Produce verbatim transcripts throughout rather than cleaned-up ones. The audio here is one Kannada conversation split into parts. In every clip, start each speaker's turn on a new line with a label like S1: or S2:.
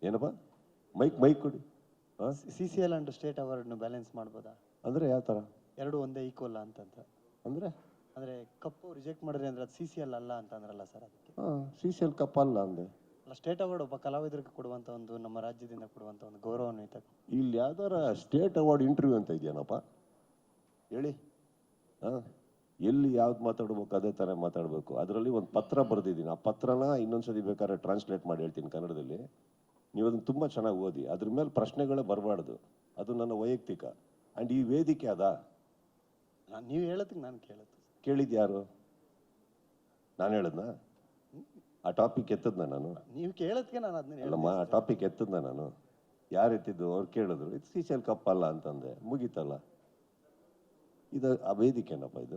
S1: ಏನಪ್ಪ ಮೈಕ್ ಮೈಕ್ ಕೊಡಿ.
S2: C C L and state ಅವಾರ್ಡ್ನು ಬ್ಯಾಲೆನ್ಸ್ ಮಾಡ್ಬೋದಾ?
S1: ಅಂದರೆ ಯಾವ ಥರ?
S2: ಎರಡು ಒಂದೇ ಈಕ್ವಲ್ ಅಂತಂತ
S1: ಅಂದರೆ
S2: ಅಂದರೆ ಕಪ್ಪು ರಿಜೆಕ್ಟ್ ಮಾಡಿದ್ರೆ ಅಂದ್ರೆ ಅದು ಸಿ ಸಿ ಎಲ್ ಅಲ್ಲ ಅಂತ ಅಂದ್ರಲ್ಲ ಸರ್, ಅದಕ್ಕೆ.
S1: ಹಾಂ, ಸಿ ಸಿ ಎಲ್ ಕಪ್ ಅಲ್ಲ ಅಂದೆ.
S2: ಅಲ್ಲ, ಸ್ಟೇಟ್ ಅವಾರ್ಡ್ ಒಬ್ಬ ಕಲಾವಿದರಿಗೆ ಕೊಡುವಂಥ ಒಂದು, ನಮ್ಮ ರಾಜ್ಯದಿಂದ ಕೊಡುವಂಥ ಒಂದು ಗೌರವಾನ್ವಿತ.
S1: ಇಲ್ಲಿ ಯಾವ್ದಾರ ಸ್ಟೇಟ್ ಅವಾರ್ಡ್ ಇಂಟರ್ವ್ಯೂ ಅಂತ ಇದೆಯೇನಪ್ಪ ಹೇಳಿ? ಹಾಂ, ಎಲ್ಲಿ ಯಾವ್ದು ಮಾತಾಡ್ಬೇಕು ಅದೇ ಥರ ಮಾತಾಡಬೇಕು. ಅದರಲ್ಲಿ ಒಂದು ಪತ್ರ ಬರೆದಿದ್ದೀನಿ. ಆ ಪತ್ರನ ಇನ್ನೊಂದ್ಸತಿ ಬೇಕಾದ್ರೆ ಟ್ರಾನ್ಸ್ಲೇಟ್ ಮಾಡಿ ಹೇಳ್ತೀನಿ ಕನ್ನಡದಲ್ಲಿ. ನೀವು ಅದನ್ನು ತುಂಬ ಚೆನ್ನಾಗಿ ಓದಿ. ಅದ್ರ ಮೇಲೆ ಪ್ರಶ್ನೆಗಳೇ ಬರಬಾರ್ದು. ಅದು ನನ್ನ ವೈಯಕ್ತಿಕ. ಆ್ಯಂಡ್ ಈ ವೇದಿಕೆ ಅದ.
S2: ನಾನು ನೀವು ಹೇಳೋದಕ್ಕೆ ನಾನು ಕೇಳುತ್ತೆ.
S1: ಕೇಳಿದ್ದು ಯಾರು? ನಾನು ಹೇಳದ್ನಾ? ಆ ಟಾಪಿಕ್ ಎತ್ತದ್ನ ನಾನು?
S2: ನೀವು ಕೇಳೋದಕ್ಕೆ ನಾನು ಅದನ್ನ
S1: ಅಲ್ಲಮ್ಮ, ಆ ಟಾಪಿಕ್ ಎತ್ತದ್ನ ನಾನು? ಯಾರು ಎತ್ತಿದ್ದು? ಅವ್ರು ಕೇಳಿದ್ರು, ಇದು ಸಿ ಸಿ ಎಲ್ ಕಪ್ ಅಲ್ಲ ಅಂತಂದೆ, ಮುಗೀತಲ್ಲ. ಇದು ಆ ವೇದಿಕೆನಪ್ಪ ಇದು?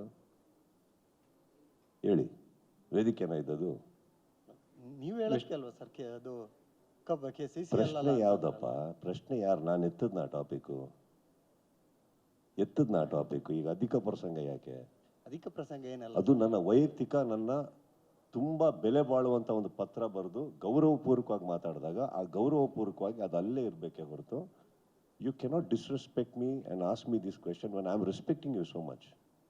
S1: ಹೇಳಿ, ವೇದಿಕೆನ ಇದ್ದದು?
S2: ನೀವು ಹೇಳೋದಕ್ಕೆ ಅಲ್ವಾ ಸರ್ ಅದು ಕಬ್ಬ ಕೆ ಸಿ ಸಿ ಎಲ್
S1: ಪ್ರಶ್ನೆ ಯಾವ್ದಪ್ಪ? ಪ್ರಶ್ನೆ ಯಾರು? ನಾನು ಎತ್ತದ್ನ ಆ ಟಾಪಿಕ್ಕು? ಎತ್ತದ್ನ ಆ ಟಾಪಿಕ್ಕು? ಈಗ ಅಧಿಕ ಪ್ರಸಂಗ ಯಾಕೆ?
S2: ಅಧಿಕ ಪ್ರಸಂಗ ಏನಲ್ಲ,
S1: ಅದು ನನ್ನ ವೈಯಕ್ತಿಕ, ನನ್ನ ತುಂಬ ಬೆಲೆ ಬಾಳುವಂಥ ಒಂದು ಪತ್ರ ಬರೆದು ಗೌರವಪೂರ್ವಕವಾಗಿ ಮಾತಾಡಿದಾಗ ಆ ಗೌರವಪೂರ್ವಕವಾಗಿ ಅದು ಅಲ್ಲೇ ಇರಬೇಕೇ ಹೊರತು you cannot disrespect me and ask me this question when I am respecting you so much.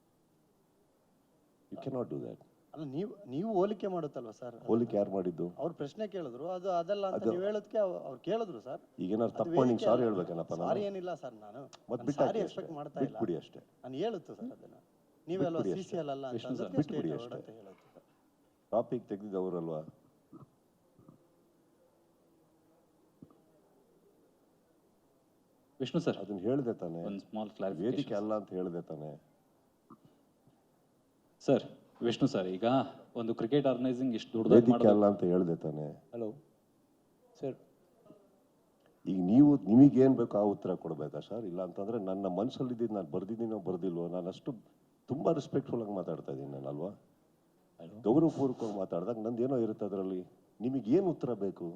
S1: You cannot do that.
S2: ಅಲ್ಲ, ನೀವು ನೀವು ಹೋಲಿಕೆ ಮಾಡುತ್ತಲ್ವಾ ಸರ್?
S1: ಹೋಲಿಕೆ ಯಾರು ಮಾಡಿದ್ದು?
S2: ಅವ್ರು ಪ್ರಶ್ನೆ ಕೇಳಿದ್ರು, ಅದು ಅದಲ್ಲ ಅಂತ ನೀವು ಹೇಳೋದಕ್ಕೆ ಅವ್ರು ಕೇಳಿದ್ರು ಸರ್.
S1: ಈಗೇನಾದ್ರು ತಪ್ಪು ಮಾಡಿ ಸಾರಿ ಹೇಳ್ಬೇಕೇನಪ್ಪ?
S2: ಸಾರಿ ಏನಿಲ್ಲ ಸರ್, ನಾನು
S1: ಮತ್ತೆ
S2: ಸಾರಿ ಎಕ್ಸ್ಪೆಕ್ಟ್ ಮಾಡ್ತಾ ಇಲ್ಲ.
S1: ಬಿಟ್ಬಿಡಿ ಅಷ್ಟೇ.
S2: ನಾನು ಹೇಳುತ್ತು ಸರ್ ಅದನ್ನ. ನೀವೆಲ್ಲ ಸಿ ಸಿ ಎಲ್ ಅಲ್ಲ ಅಂತ ಅಂದ್ರೆ
S1: ಬಿಟ್ಬಿಡಿ ಅಷ್ಟೇ. ಟಾಪಿಕ್ ತೆಗೆದಿದ್ದವರಲ್ವಾ?
S3: ವಿಷ್ಣು ಸರ್,
S1: ಅದನ್ನ ಹೇಳ್ದೆ ತಾನೆ?
S3: ಒಂದು ಸ್ಮಾಲ್ ಕ್ಲಾರಿಫಿಕೇಶನ್.
S1: ವೇದಿಕೆ ಅಲ್ಲ ಅಂತ ಹೇಳ್ದೆ ತಾನೆ
S3: ಸರ್? ವಿಷ್ಣು ಸರ್, ಈಗ ಒಂದು ಕ್ರಿಕೆಟ್ ಆರ್ಗನೈಸಿಂಗ್ ಇಷ್ಟು ದೊಡ್ಡದಾಗಿ
S1: ವೇದಿಕೆ
S3: ಮಾಡೋದು
S1: ಅಲ್ಲ ಅಂತ ಹೇಳ್ದೆ ತಾನೆ?
S3: ಹಲೋ ಸರ್,
S1: ಈಗ ನೀವು ನಿಮಗೇನು ಬೇಕೋ ಆ ಉತ್ತರ ಕೊಡಬೇಕಾ ಸರ್? ಇಲ್ಲ ಅಂತಂದರೆ ನನ್ನ ಮನಸ್ಸಲ್ಲಿದ್ದು ನಾನು ಬರ್ದಿದ್ದೀನೋ ಬರ್ದಿಲ್ವೋ, ನಾನು ಅಷ್ಟು ತುಂಬ ರೆಸ್ಪೆಕ್ಟ್ಫುಲ್ ಆಗಿ ಮಾತಾಡ್ತಾ ಇದ್ದೀನಿ ನಾನು, ಅಲ್ವಾ? ಗೌರವಪೂರ್ವಕವಾಗಿ ಮಾತಾಡಿದಾಗ ನಂದು ಏನೋ ಇರುತ್ತೆ ಅದರಲ್ಲಿ. ನಿಮಗೇನು ಉತ್ತರ ಬೇಕು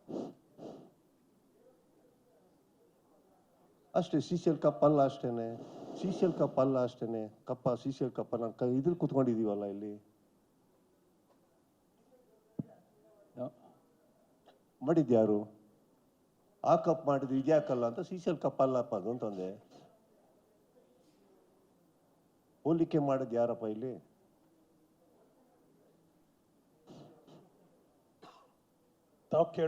S1: ಅಷ್ಟೇ. ಸಿ ಸಿ ಎಲ್ ಕಪ್ ಅಲ್ಲ ಅಷ್ಟೇನೆ. ಸಿ ಸಿ ಎಲ್ ಕಪ್ ಅಲ್ಲ ಅಷ್ಟೇನೆ. ಕಪ್ಪ ಸಿ ಸಿ ಎಲ್ ಕಪ್ಪ ನಾನು ಕ ಇದ್ರಲ್ಲಿ ಕುತ್ಕೊಂಡಿದ್ದೀವಲ್ಲ ಇಲ್ಲಿ. ಮಾಡಿದ್ಯಾರು? ಆ ಕಪ್ ಮಾಡಿದ್ರು ಇದ್ಯಾಕಲ್ಲ ಅಂತ ಸಿ ಸಿ ಎಲ್ ಕಪ್ ಅಲ್ಲಪ್ಪ ಅದು ಅಂತಂದೆ. ಹೋಲಿಕೆ ಮಾಡೋದು ಯಾರಪ್ಪ ಇಲ್ಲಿ?
S4: ತಾವು